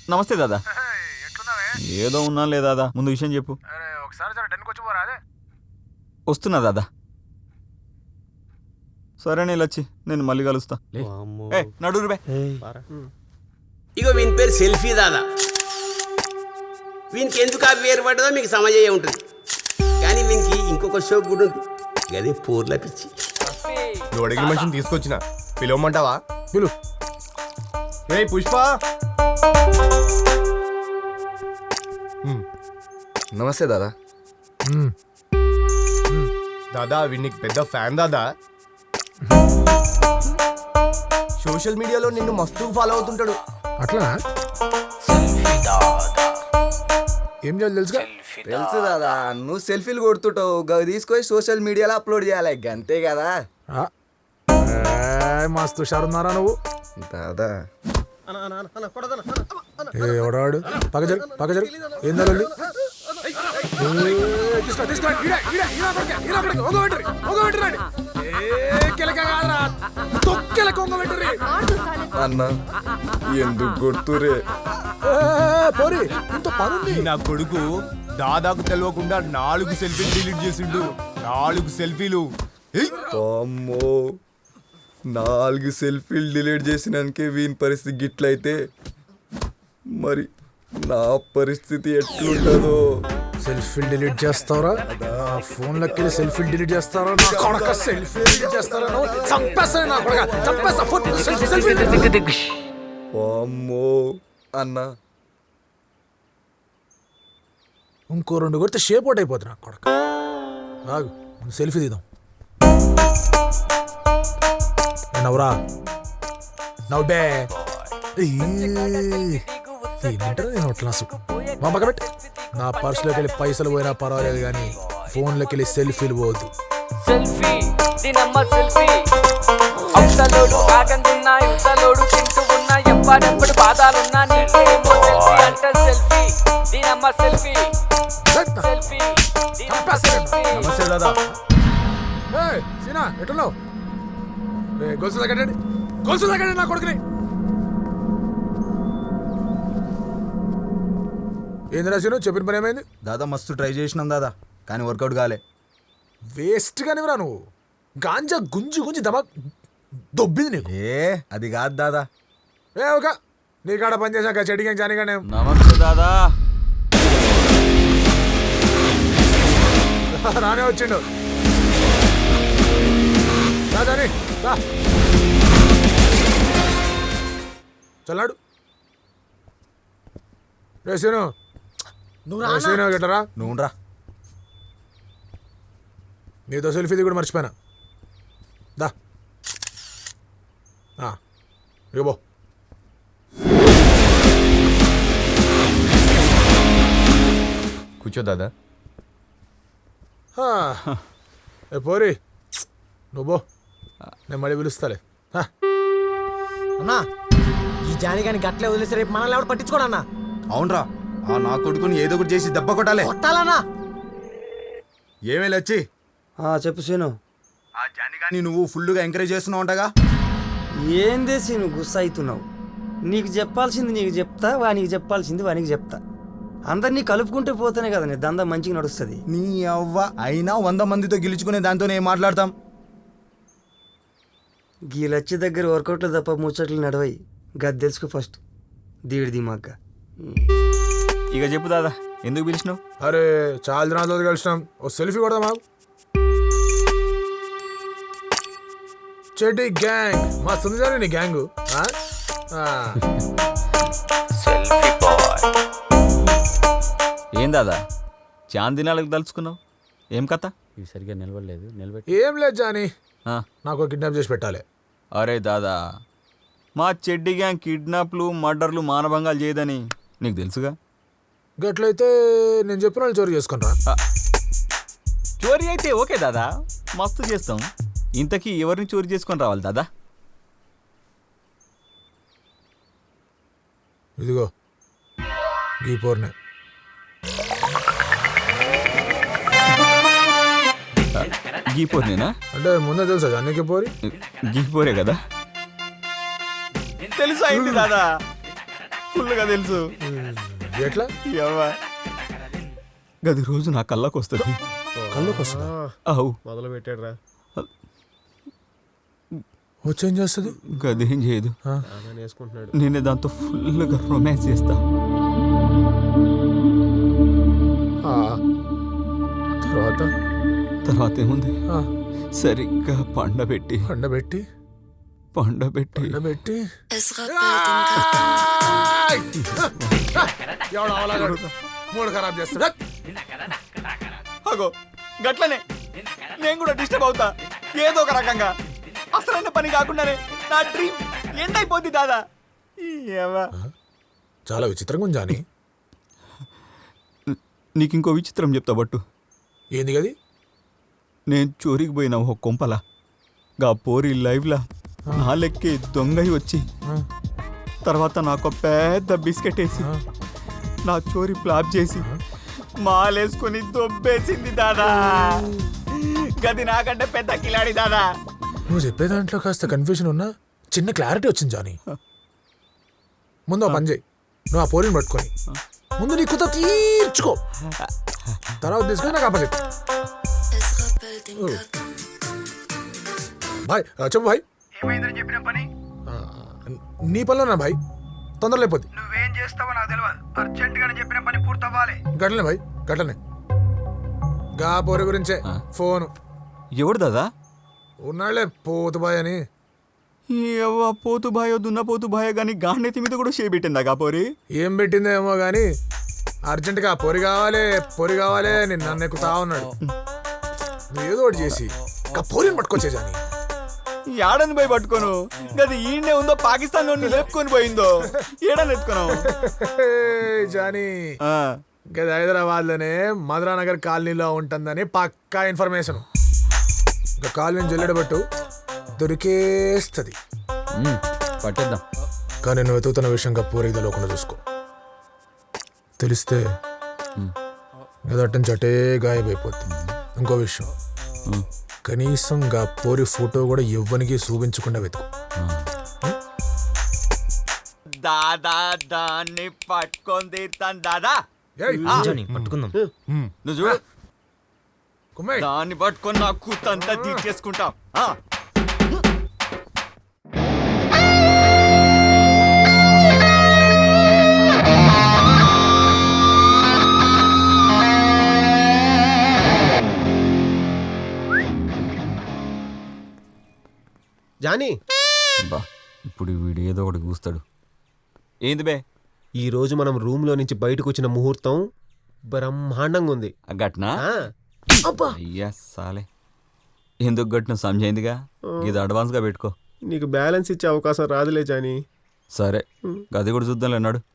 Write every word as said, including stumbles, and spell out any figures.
నమస్తే దాదా. ఏదో ఉన్నా లే దాదా, ముందు విషయం చెప్పు. వస్తున్నా దాదా. సరే నీళ్ళొచ్చి నేను మళ్ళీ కలుస్తా. నడురు బే. ఇగో వీని పేరు సెల్ఫీ దాదా. వీనికి ఎందుకు ఆ పేరు పడ్డదో మీకు సమజయ్యే ఉంటుంది, కానీ వీనికి ఇంకొక షోక్ కూడా ఉంది, అదే పూర్ల పిచ్చి. నువ్వు అడిగిన మనిషిని తీసుకొచ్చిన పిలవమంటావా? పిలు. ఏ పుష్ప. నమస్తే దాదా. దాదా వీనికి పెద్ద ఫ్యాన్ దాదా. సోషల్ మీడియాలో నిన్ను మస్తు ఫాలో అవుతుంటాడు. అట్లా ఏం చేయాలి తెలుసుగా? తెలుసు దాదా, నువ్వు సెల్ఫీలు కొడుతుంటావు, గవి తీసుకొని సోషల్ మీడియాలో అప్లోడ్ చేయాలి, అంతే కదా మస్తు షారున్నారా నువ్వు దాదా. ఎవడాడు పగజరు పగజరు ఏం జరగండి? అన్న ఎందుకు కొడుతురే? పోరి ఇంత పనుంది. నా కొడుకు దాదాకు తెలియకుండా నాలుగు సెల్ఫీలు డిలీట్ చేసిండు. నాలుగు సెల్ఫీలు. అమ్మో, నాలుగు సెల్ఫీలు డిలీట్ చేసినాకే వీని పరిస్థితి గిట్లయితే మరి నా పరిస్థితి ఎట్లుంటుందో. సెల్ఫీలు డిలీట్ చేస్తారా? ఫోన్ లెక్కలు సెల్ఫీలు డిలీట్ చేస్తారా? నా కొడక సెల్ఫీ డిలీట్ చేస్తారా? చంపేస్తాను నా కొడక, చంపేస్తా. అమ్మో అన్న, ఇంకో రెండు కొడితే షేప్ అవుట్ అయిపోతుంది నా కొడక. రాగు సెల్ఫీ తీద్దాం. నవ్వురా నవ్వే. ఏమంటారా నేను క్లాసు మా పక్క పెట్టి. నా పర్సులోకి వెళ్ళి పైసలు పోయినా పర్వాలేదు, కానీ ఫోన్లోకి వెళ్ళి సెల్ఫీలు పోవద్దు. సెల్ఫీ దీనమ్మ సెల్ఫీ, అవతలోడు కాకందున్నా యువతలోడు తింటూ ఉన్నా, ఎవ్వడెప్పుడు బాధాలున్నా నీకేమో సెల్ఫీ అంటే సెల్ఫీ దీనమ్మ సెల్ఫీ. సెల్ఫీ దీనమ్మ సెల్ఫీ. నమస్తే దాదా. సీనా ఎట్టున్నావు? గొలుసు తగ్గండి, గొలుసు తగ్గండి నా కొడుకుని. ఏంది రాసిను? చెప్పిన పని ఏమైంది? దాదా మస్తు ట్రై చేసినాం దాదా, కానీ వర్కౌట్ కాలే. వేస్ట్ గానివరా నువ్వు. గాంజా గుంజి గుంజి దమా దొబ్బింది నీకు. ఏ అది కాదు దాదా. ఏ ఒక నీ కాడ పని చేసాక చెడిగా జానిగానే. నమస్తే దాదా. రానే వచ్చిండు. రాజాని చల్లాడు. రేసీను నువ్వు గెట్టరా? నువ్వు రా. నీతో సెల్ఫీది కూడా మర్చిపోయినా. దా ఇగో కూర్చో దాదా. ఏ పోరి నువ్వు నేను మళ్ళీ పిలుస్తాలే. అన్నా ఈ జాని గాని గట్లే వదిలేసి రేపు మనల్ని ఎవరు పట్టించుకోడు అన్నా. అవునరా, ఆ నా కొడుకుని ఏదో ఒకటి చేసి దెబ్బ కొట్టాలి. కొట్టాలన్నా. ఏమే వచ్చి చెప్పు సీను. ఆ జానిగాని నువ్వు ఫుల్గా ఎంకరేజ్ చేస్తున్నావు అంటగా. ఏందే సీను గుస్స అవుతున్నావు? నీకు చెప్పాల్సింది నీకు చెప్తా, వానికి చెప్పాల్సింది వానికి చెప్తా. అందరినీ కలుపుకుంటే పోతేనే కదా నీ దందా మంచిగా నడుస్తుంది. నీ అవ్వ అయినా వంద మందితో గెలుచుకునే దాంతోనే ఏం మాట్లాడతాం. గీలచ్చి దగ్గర వర్కౌట్లు తప్ప ముచ్చట్లు నడవయి. గది తెలుసుకో ఫస్ట్. దీడి దిమాగ్గా. ఇక చెప్పు దాదా, ఎందుకు పిలిచినావు? అరే చాలా దినాల కలిసినాం, ఓ సెల్ఫీ కొడదామా? చెడ్డి గ్యాంగ్ మస్తుంది సార్ నీ గ్యాంగు. ఏం దాదా చాంద్ దినాలకు తలుచుకున్నావు? ఏం కథ? ఇవి సరిగ్గా నిలబడలేదు. నిలబెట్టి ఏం లేదు జాని, నాకు కిడ్నాప్ చేసి పెట్టాలి. అరే దాదా, మా చెడ్డి గ్యాంగ్ కిడ్నాప్లు మర్డర్లు మానభంగాలు చేయదని నీకు తెలుసుగా. గట్లయితే నేను చెప్పిన వాళ్ళు చోరీ చేసుకుంటా. చోరీ అయితే ఓకే దాదా, మస్తు చేస్తాం. ఇంతకీ ఎవరిని చోరీ చేసుకొని రావాలి దాదా? ఇదిగో గీ పోర్నే. గీపోరేనా? అంటే ముందే తెలుసా అన్నికి పోరి? గీపోరే కదా. తెలుసా అయింది దాదా. ఫుల్గా తెలుసు. ఎట్లా యవ్వా. గది రోజు నా కళ్ళకు వస్తుంది. కళ్ళకి వస్తుందా? అవు మొదలు పెట్టాడు రా వచ్చేం చేస్తుంది? గది ఏం చేయదు. వేసుకుంటున్నాడు. నేను దాంతో ఫుల్గా రొమాన్స్ చేస్తా. ఆ, తర్వాత తర్వాత ఏముంది, ఆ, సరిగ్గా పండబెట్టి పండబెట్టి పండబెట్టి పండబెట్టి మూడు ఖరాబ్ చేస్తాడు. అగో గట్లనే నేను కూడా డిస్టర్బ్ అవుతా ఏదో ఒక రకంగా. అసలైన పని కాకుండానే నా డ్రీమ్ ఎండ్ అయిపోద్ది దాదా. ఏవా. చాలా విచిత్రంగా ఉంది జాని. నీకు ఇంకో విచిత్రం చెప్తా బట్టు. ఏంది గది? నేను చోరీకి పోయిన ఒక కొంపల గా పోరి లైవ్లా నా లెక్కి దొంగయి వచ్చి తర్వాత నాకు పెద్ద బిస్కెట్ వేసి నా చోరీ ప్లాప్ చేసి మాలేసుకొని దొబ్బేసింది దాదా. గది నాకంటే పెద్ద కిలాడి దాదా. నువ్వు చెప్పే దాంట్లో కాస్త కన్ఫ్యూజన్ ఉన్నా చిన్న క్లారిటీ వచ్చింది జాని. ముందు ఆ పని చేయి, నువ్వు ఆ పోరిని పట్టుకొని ముందు నీ కుత తీర్చుకో, తర్వాత తీసుకొని నాకు ఆపోజిట్. భాయ్ చెప్పు భాయ్. ఏమైందని చెప్పిన పని ఆ, నీ పనిలో నా భాయ్, తొందర లేకపోతే. నువ్వేం చేస్తావో నాకు తెలియదు. అర్జెంట్ గానే చెప్పిన పని పూర్తవ్వాలి. గట్లనే భాయ్ గట్లనే. గా పోరి గురించే ఫోను. ఎవడు దాదా? ఉన్నాళ్లే పోతు బాయ్ అని. ఎవ్వ పోతు బాయో దున్న పోతు బాయో కానీ గాండెత్తి మీద కూడా చేపెట్టిందా గా పోరి? ఏం పెట్టిందో ఏమో కానీ అర్జెంటుగా పొరి కావాలి పొరి కావాలి అని నన్ను ఎక్కుతా ఉన్నాడు. నువ్వు ఏదో ఒకటి చేసి ఆ పోరిని పట్టుకొచ్చే జాని. ఏడని పోయి పట్టుకోను, గది ఈయనే ఉందో పాకిస్తాన్ నుండి లేపుకొని పోయిందో ఏడని ఎత్తుకున్నావు. జానీ గది హైదరాబాద్ లోనే మధురానగర్ కాలనీలో ఉంటుందని పక్కా ఇన్ఫర్మేషన్. ఇంకా కాలనీ జల్లెడబట్టు దొరికేస్తుంది. పట్టేద్దాం. కానీ నువ్వు వెతుకుతున్న విషయంగా పూరి తెలియకుండా చూసుకో. తెలిస్తే గదట్టం చటే గాయమైపోతుంది. ఇంకో విషయం, కనీసం గా పోరి ఫోటో కూడా ఎవ్వనికి చూపించకుండా వెతుకు. దాదా దాన్ని పట్టుకొని తీర్తాను దాదా. పట్టుకుందాం. నువ్వు చూడు, కుమ్మే దాన్ని పట్టుకొని నా కూతంతా తీర్చేసుకుంటాం. జానీ, బా ఇప్పుడు వీడు ఏదో ఒకటి కూస్తాడు. ఏంది బే? ఈ రోజు మనం రూమ్ లో నుంచి బయటకు వచ్చిన ముహూర్తం బ్రహ్మాండంగా ఉంది. గట్నా? అయ్యా సాలే, ఎందుకు గట్టిన సమజైందిగా. ఇది అడ్వాన్స్ గా పెట్టుకో. నీకు బ్యాలెన్స్ ఇచ్చే అవకాశం రాదులే జానీ. సరే, గది కూడా చూద్దాంలే అన్నాడు.